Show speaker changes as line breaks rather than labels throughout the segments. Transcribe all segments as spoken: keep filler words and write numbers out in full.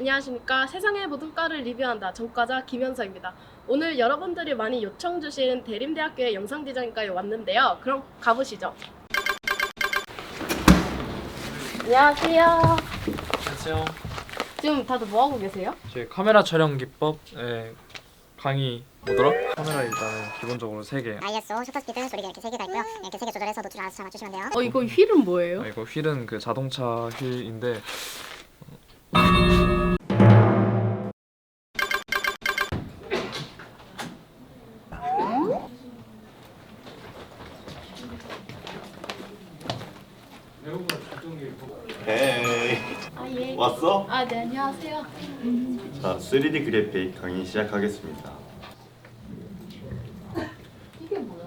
안녕하십니까. 세상의 모든 과를 리뷰한다. 전과자 김현서입니다. 오늘 여러분들이 많이 요청 주신 대림대학교의 영상디자인과에 왔는데요. 그럼 가보시죠. 안녕하세요.
안녕하세요.
지금 다들 뭐하고 계세요?
제 카메라 촬영 기법의 강의 뭐더라? 카메라 일단은 기본적으로 세 개.
아이에스오, 셔터스피드, 소리가 이렇게 세 개가 있고요. 이렇게 세 개 조절해서 노출 알아서 잘 맞추시면 돼요.
어 이거 휠은 뭐예요?
아, 이거 휠은 그 자동차 휠인데
헤이
아 예.
왔어?
아 네 안녕하세요.
자, 쓰리디 그래픽 강의 시작하겠습니다.
이게 뭐야?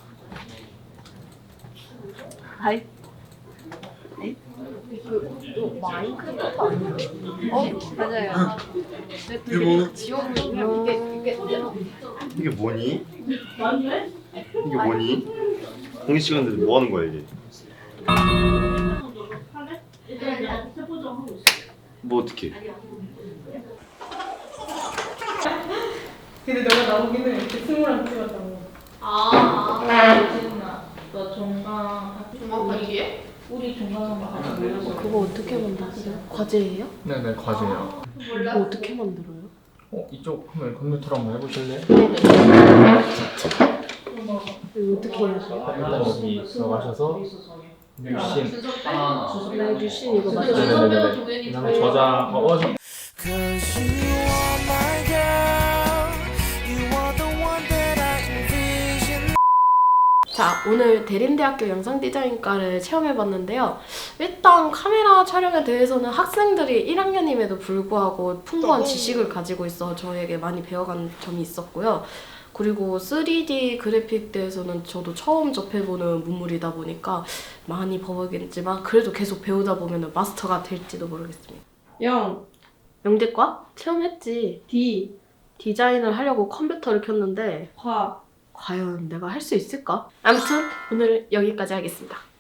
아이. 아이. 그 이거 마인크래프트 아니에요? 어 맞아요.
이게 뭐?
지워보면 이게 이게
이게 뭐니? 이게 뭐니? 공식 시간인데 뭐 하는 거야 이게? 뭐 어떻게?
근데 너가 나오기는 이렇게 스물한 찍었다고.
아.
재훈아, 너 종강.
아 이게?
우리 종강한 거 같이 몰려서.
그거 어떻게 만들었어요? 과제예요?
네네 과제예요.
그거 어떻게 만들어요?
어 이쪽 한번 컴퓨터로 한번 해보실래요?
이거 어떻게 해야 돼요?
일단 여기 들어가셔서 뮤신.
나 유신 이거 맞죠?
네네네네. 그다음에 저장. 어, 어 저-
Cause you are my girl, you are the one that I envision.
자, 오늘 대림대학교 영상디자인과를 체험해봤는데요. 일단 카메라 촬영에 대해서는 학생들이 일 학년임에도 불구하고 풍부한 지식을 가지고 있어 저에게 많이 배워간 점이 있었고요. 그리고 쓰리디 그래픽 대해서는 저도 처음 접해보는 문물이다 보니까 많이 버벅이지만 그래도 계속 배우다 보면 마스터가 될지도 모르겠습니다.
영,
영재과? 체험했지.
D,
디자인을 하려고 컴퓨터를 켰는데
화.
과연 내가 할 수 있을까? 아무튼 오늘 여기까지 하겠습니다.